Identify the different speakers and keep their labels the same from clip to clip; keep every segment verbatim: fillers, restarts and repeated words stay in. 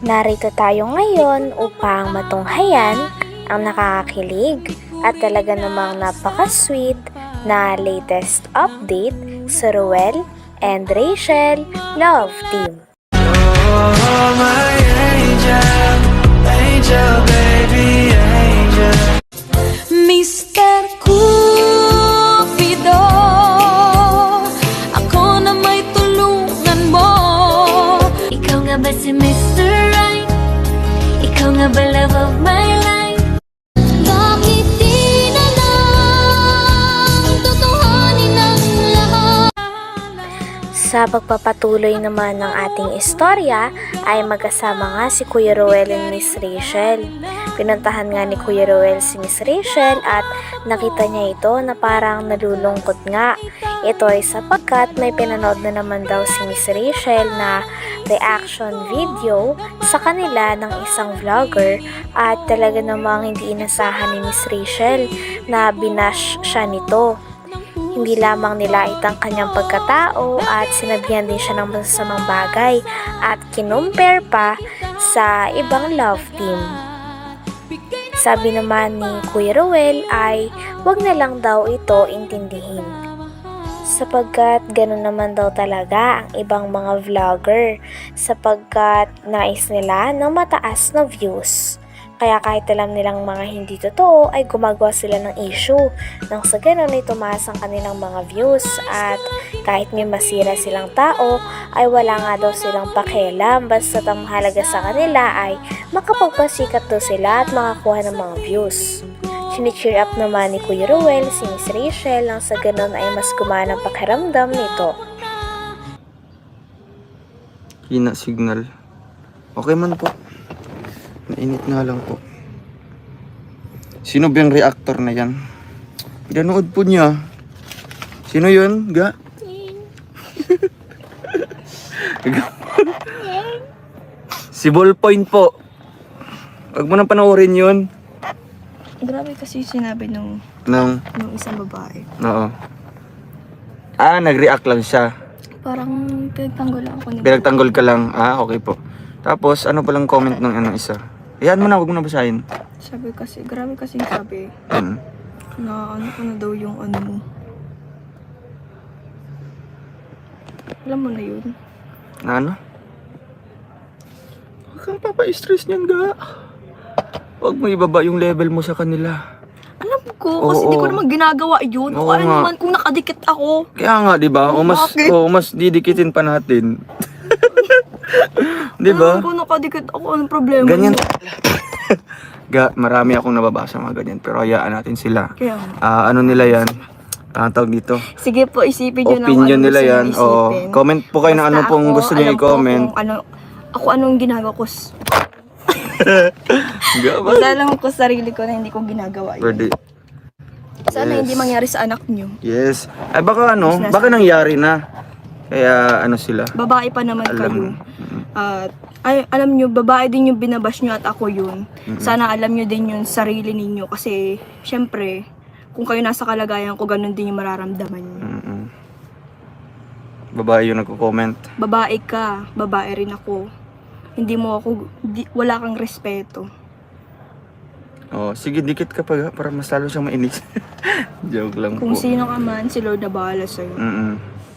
Speaker 1: Narito tayo ngayon upang matunghayan ang nakakakilig at talaga namang napaka-sweet na latest update sa Ruel and Rachel Love Team.
Speaker 2: Oh, my angel, angel, baby, angel.
Speaker 3: Mister Cupido, ako na may tulungan mo. Ikaw nga ba si Mister Right? Ikaw nga ba love of my life? Bakit di na lang tutuhanin ang lahat?
Speaker 1: Sa pagpapatuloy naman ng ating istorya ay magkasama nga si Kuya Ruel and Miss Rachel. Pinuntahan nga ni Kuya Ruel si Miss Rachel at nakita niya ito na parang nalulungkot nga. Ito ay sapagkat may pinanood na naman daw si Miss Rachel na reaction video sa kanila ng isang vlogger at talaga namang hindi inasahan ni Miss Rachel na binash siya nito. Hindi lamang nilait ang kanyang pagkatao at sinabihan din siya ng masasamang bagay at kinumpare pa sa ibang love team. Sabi naman ni Kuya Ruel ay wag na lang daw ito intindihin. Sapagkat gano'n naman daw talaga ang ibang mga vlogger sapagkat nais nila ng mataas na views. Kaya kahit alam nilang mga hindi totoo ay gumagawa sila ng issue nang sa ganun ay tumaas ang kanilang mga views at kahit may masira silang tao ay wala nga daw silang pakialam basta ang mahalaga sa kanila ay makapagpasikat daw sila at makakuha ng mga views. Chine-cheer up naman ni Kuya Ruel si Miss Rachel nang sa ganun ay mas gumana ang pakiramdam nito.
Speaker 4: Hina signal. Okay man po. Mainit nga lang po. Sino ba yung reactor na yan? Pinanood po niya. Sino yun? Ga? Si Ballpoint po. Huwag mo nang panoorin yun.
Speaker 5: Grabe kasi sinabi nung,
Speaker 4: Nang,
Speaker 5: nung isang babae.
Speaker 4: oo. Ah, nag-react lang siya.
Speaker 5: Parang pinagtanggol lang ako ni
Speaker 4: Pinagtanggol ka lang. Ah, okay po. Tapos, ano palang comment ng ano isa? Ayan mo na, huwag mo na basahin.
Speaker 5: Sabi kasi, grabe kasi sabi
Speaker 4: Hmm.
Speaker 5: na ano ko na daw yung ano mo. Alam mo na yun.
Speaker 4: Na ano? Huwag kang papa-stress niyan, ga. Huwag mo ibaba yung level mo sa kanila.
Speaker 5: Alam ko, kasi
Speaker 4: Oo.
Speaker 5: hindi ko naman ginagawa yun.
Speaker 4: Oo
Speaker 5: O ano
Speaker 4: nga.
Speaker 5: naman kung nakadikit ako.
Speaker 4: Kaya nga, di ba? O mas,
Speaker 5: Bakit?
Speaker 4: o mas didikitin pa natin. Di ba?
Speaker 5: Alam ko nakadikit ako, anong problema?
Speaker 4: Ganyan.
Speaker 5: mo?
Speaker 4: Ga, marami akong nababasa mga ganyan. Pero hayaan natin sila.
Speaker 5: Kaya nga.
Speaker 4: Ah, ano nila yan? Ang tawag dito.
Speaker 5: Sige po, isipin nyo na kung
Speaker 4: Opinion
Speaker 5: ano
Speaker 4: nila
Speaker 5: gusto
Speaker 4: yan.
Speaker 5: nyo
Speaker 4: Oo.
Speaker 5: isipin.
Speaker 4: Comment po kayo na ano
Speaker 5: Basta
Speaker 4: pong
Speaker 5: ako,
Speaker 4: gusto niyo
Speaker 5: alam ko
Speaker 4: i-comment.
Speaker 5: kung Ano, ako anong ginagawa ko. s-
Speaker 4: Ga, ba?
Speaker 5: Basta alam ko sa sarili ko na hindi ko ginagawa yun.
Speaker 4: Pwede.
Speaker 5: Sana
Speaker 4: Yes.
Speaker 5: hindi mangyari sa anak nyo.
Speaker 4: Yes. Ay baka ano,
Speaker 5: Business.
Speaker 4: baka nangyari na. Kaya ano sila.
Speaker 5: Babae pa naman
Speaker 4: Alam.
Speaker 5: kayo. At ay, alam nyo, babae din yung binabash nyo at ako yun. Sana alam nyo din yung sarili ninyo kasi syempre, kung kayo nasa kalagayan ko, ganun din yung mararamdaman nyo.
Speaker 4: Mm-mm. Babae yung nagko-comment.
Speaker 5: Babae ka, babae rin ako. Hindi mo ako, di, wala kang respeto.
Speaker 4: Oh, sige dikit ka pa ga, para mas lalo siyang mainis. Joke lang
Speaker 5: Kung
Speaker 4: po.
Speaker 5: sino ka man, si Lord na bahala sa'yo.
Speaker 4: Mm-mm.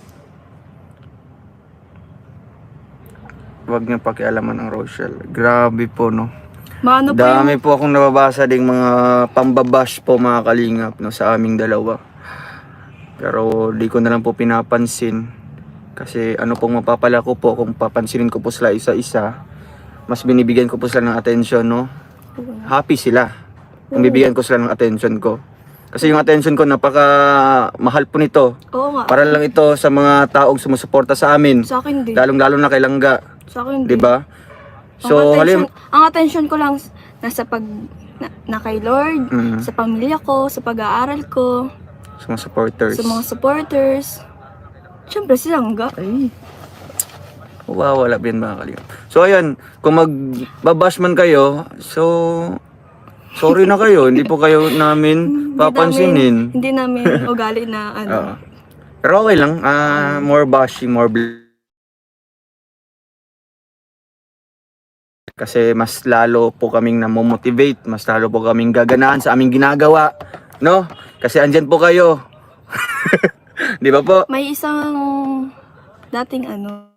Speaker 4: Huwag niyo pakialaman ang Rochelle. Grabe po no.
Speaker 5: Maano pa
Speaker 4: Dami
Speaker 5: yung,
Speaker 4: po akong nababasa ding mga pambabash po mga kalingap no, sa aming dalawa. Pero di ko na lang po pinapansin. Kasi ano pong mapapala ko po kung papansinin ko po sila isa-isa. Mas binibigyan ko po sila ng attention no. Happy sila. Kung bibigyan ko sila ng attention ko. Kasi yung attention ko napaka mahal po nito.
Speaker 5: oo nga,
Speaker 4: Para lang ito sa mga taong sumusuporta sa amin.
Speaker 5: sa akin din.
Speaker 4: Lalong-lalo na kay Langga,
Speaker 5: Sa akin
Speaker 4: 'di
Speaker 5: din.
Speaker 4: ba?
Speaker 5: ang,
Speaker 4: So,
Speaker 5: attention,
Speaker 4: halim
Speaker 5: ang attention ko lang s- nasa pag, na, na kay Lord,
Speaker 4: Mm.
Speaker 5: sa pamilya ko, sa pag-aaral ko,
Speaker 4: sa mga supporters.
Speaker 5: sa mga supporters. Siyempre, si Langga.
Speaker 4: Ay. Wawala din mga kalingap. So ayan, kung magbabash man kayo, so sorry na kayo, hindi po kayo namin papansinin.
Speaker 5: Hindi namin, hindi namin ugali na ano.
Speaker 4: Oo. Pero okay lang, ah more bashing, more bl- Kasi mas lalo po kaming namomotivate, mas lalo po kaming gaganahan sa aming ginagawa, no? Kasi andyan po kayo. Di ba po?
Speaker 5: May isang dating ano,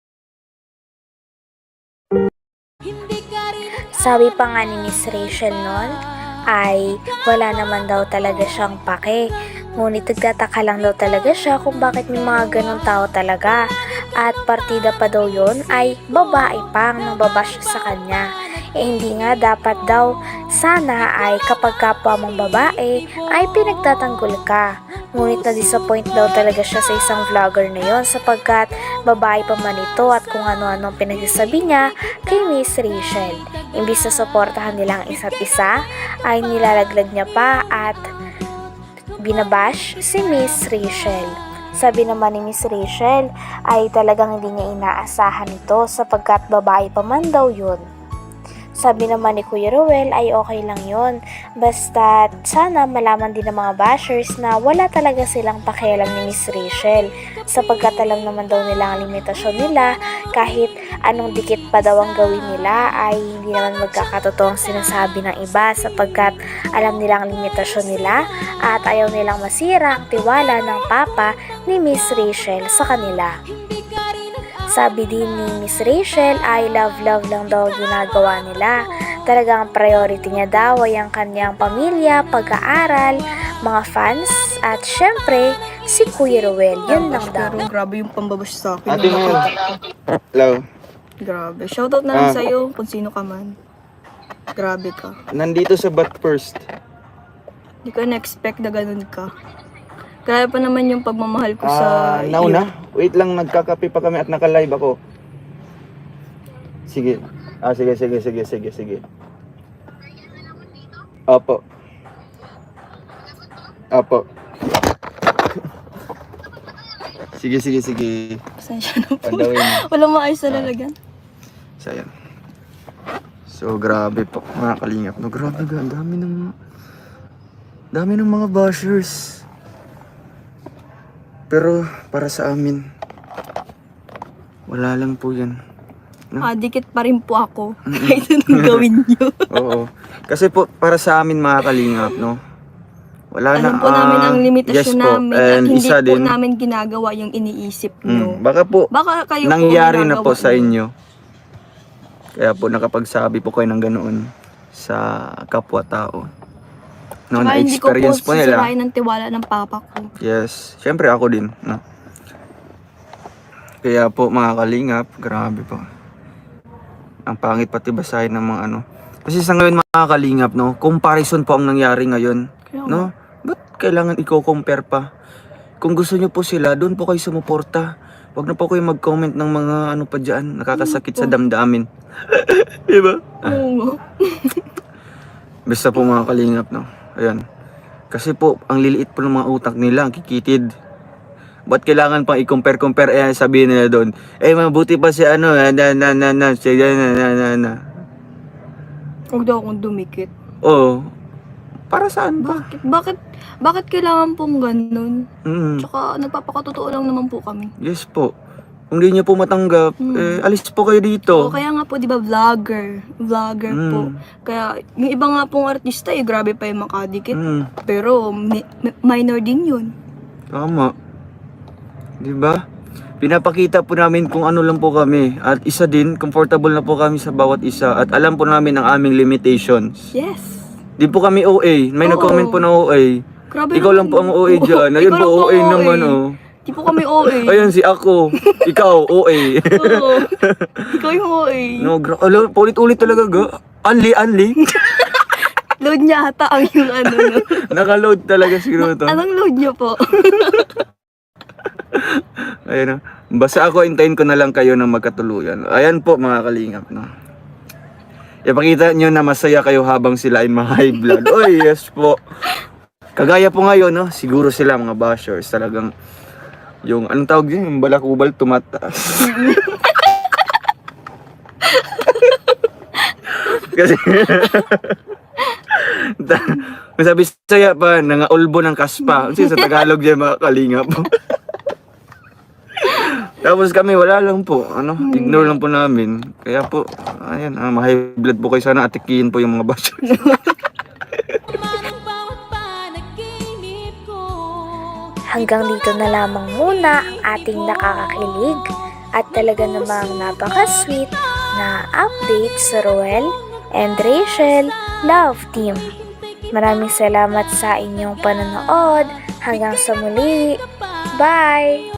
Speaker 1: Sabi pa nga ni Miss Rachel noon ay wala naman daw talaga siyang pake. Ngunit nagtataka lang daw talaga siya kung bakit may mga ganong tao talaga. At partida pa daw yon ay babae pang nangbabash sa kanya. Eh hindi nga dapat daw sana ay kapag kapwa mong babae ay pinagtatanggol ka. Ngunit na-disappoint daw talaga siya sa isang vlogger na yon sapagkat babae pa man ito at kung ano-anong pinagsasabi niya kay Miss Rachel. Imbis na suportahan nilang isa't isa ay nilalaglag niya pa at binabash si Miss Rachel. Sabi naman ni Miss Rachel ay talagang hindi niya inaasahan ito sapagkat babae pa man daw yun. Sabi naman ni Kuya Ruel ay okay lang yun. Basta sana malaman din ng mga bashers na wala talaga silang pakialam ni Miss Rachel. Sapagkat alam naman daw nila ang limitasyon nila kahit anong dikit pa daw ang gawin nila ay hindi naman magkakatotoo ang sinasabi ng iba sapagkat alam nila ang limitasyon nila at ayaw nilang masira ang tiwala ng papa ni Miss Rachel sa kanila. Sabi din ni Miss Rachel ay love-love lang daw ginagawa nila. Talagang priority niya daw ay ang kanyang pamilya, pag-aaral, mga fans, at syempre, si Kuya Ruel. Yun lang daw.
Speaker 5: pero grabe yung pambabash sa akin.
Speaker 4: Ate Mel. Hello.
Speaker 5: Grabe. Shoutout na lang
Speaker 4: Ah.
Speaker 5: sa'yo kung sino ka man. Grabe ka.
Speaker 4: Nandito sa Bat First.
Speaker 5: Hindi ko na-expect na ganun ka. Kaya pa naman yung pagmamahal ko sa
Speaker 4: Ah, nauna. Wait lang, nagkakape pa kami at naka-live ako. Sige. Ah, sige, sige, sige, sige, sige. Opo. Opo. Sige, sige, sige.
Speaker 5: Pasensya na po.
Speaker 4: Pandawin mo.
Speaker 5: Walang maayos na lalagyan.
Speaker 4: So, ayan. So, grabe po, mga kalingap. No, grabe ga, ang dami ng... dami ng mga bashers. Pero, para sa amin, wala lang po yan. No?
Speaker 5: Ah, dikit pa rin po ako. Kahit anong gawin nyo.
Speaker 4: Oo. Kasi po, para sa amin, mga kalingap, no? Wala na.
Speaker 5: Alam po namin
Speaker 4: ah,
Speaker 5: ang limitasyon
Speaker 4: yes po.
Speaker 5: namin. At
Speaker 4: And
Speaker 5: hindi
Speaker 4: isa
Speaker 5: po
Speaker 4: din,
Speaker 5: namin ginagawa yung iniisip
Speaker 4: mm,
Speaker 5: nyo.
Speaker 4: baka po,
Speaker 5: Baka kayo po
Speaker 4: nangyari na po
Speaker 5: ginagawa
Speaker 4: sa
Speaker 5: nyo.
Speaker 4: inyo. Kaya po nakapagsabi po kayo ng ganoon sa kapwa-tao. No,
Speaker 5: Tsaka hindi ko po
Speaker 4: na-experience po nila.
Speaker 5: sisirain ng tiwala ng papa ko.
Speaker 4: Yes, syempre ako din, no. Kaya po mga kalingap, grabe po. Ang pangit pati basahin ng mga ano. Kasi sa ngayon mga kalingap, no, comparison po ang nangyari ngayon,
Speaker 5: Kaya
Speaker 4: no. Ba't kailangan i-compare pa? Kung gusto niyo po sila, doon po kayo sumuporta. Huwag na po kayo mag-comment ng mga ano pa dyan, nakakasakit sa damdamin. Diba?
Speaker 5: Oo.
Speaker 4: Basta po mga kalingap, no. Ayan. Kasi po, ang liliit po ng mga utak nila, ang kikitid. Ba't kailangan pang i-compare-compare? Eh, sabihin nila doon, eh, mabuti pa si ano, na, na, na, na, na, si, na, na, na, na, na.
Speaker 5: Huwag daw akong dumikit.
Speaker 4: Oo. Para saan ba?
Speaker 5: Bakit? Bakit? Bakit kailangan pong ganun?
Speaker 4: Mm,
Speaker 5: Tsaka nagpapakatotoo lang naman po kami.
Speaker 4: yes po. Kung di niyo po matanggap,
Speaker 5: Mm.
Speaker 4: eh, alis po kayo
Speaker 5: O
Speaker 4: dito.
Speaker 5: kaya nga po, di ba, vlogger. Vlogger
Speaker 4: Mm.
Speaker 5: po. Kaya, yung iba nga pong artista, eh, grabe pa yung makadikit.
Speaker 4: Mm,
Speaker 5: Pero, mi- mi- minor din yun.
Speaker 4: tama. Di ba? Pinapakita po namin kung ano lang po kami. At isa din, comfortable na po kami sa bawat isa. At alam po namin ang aming limitations.
Speaker 5: Yes.
Speaker 4: Di po kami O A. May
Speaker 5: Oo.
Speaker 4: nag-comment po na O A.
Speaker 5: Grabe
Speaker 4: Ikaw lang po ang O A dyan. Ayun
Speaker 5: Ikaw
Speaker 4: po
Speaker 5: lang
Speaker 4: O A
Speaker 5: ang
Speaker 4: naman oh.
Speaker 5: Di po kami O A.
Speaker 4: Ayun si ako. Ikaw O A.
Speaker 5: Oo. Ikaw yung O A.
Speaker 4: No, gra- Alo, ulit-ulit talaga ga. Anli, anli.
Speaker 5: Load niya ata ang yung ano. No?
Speaker 4: Naka-load talaga siguro to.
Speaker 5: Anong load niya po?
Speaker 4: Ayun oh. Basta ako, hintayin ko na lang kayo ng magkatuluyan. Ayan po mga kalingap, no. Ipakita nyo na masaya kayo habang sila ay ma-high blood. Oy, yes po. Kagaya po ngayon, no, siguro sila mga bashers talagang yung, anong tawag yun? Yung balakubal tumataas. Kasi, may sabi saya pa, nangaulbo ng kaspa. Kasi sa Tagalog yan mga kalingap. Tapos kami, wala lang po. Ano, ignore lang po namin. Kaya po, ayan, ah, ma-high blood po kayo. Sana atikiin po yung mga bashers.
Speaker 1: Hanggang dito na lamang muna ang ating nakakakilig at talaga namang napaka-sweet na update sa Roel and Rachel Love Team. Maraming salamat sa inyong panonood. Hanggang sa muli. Bye!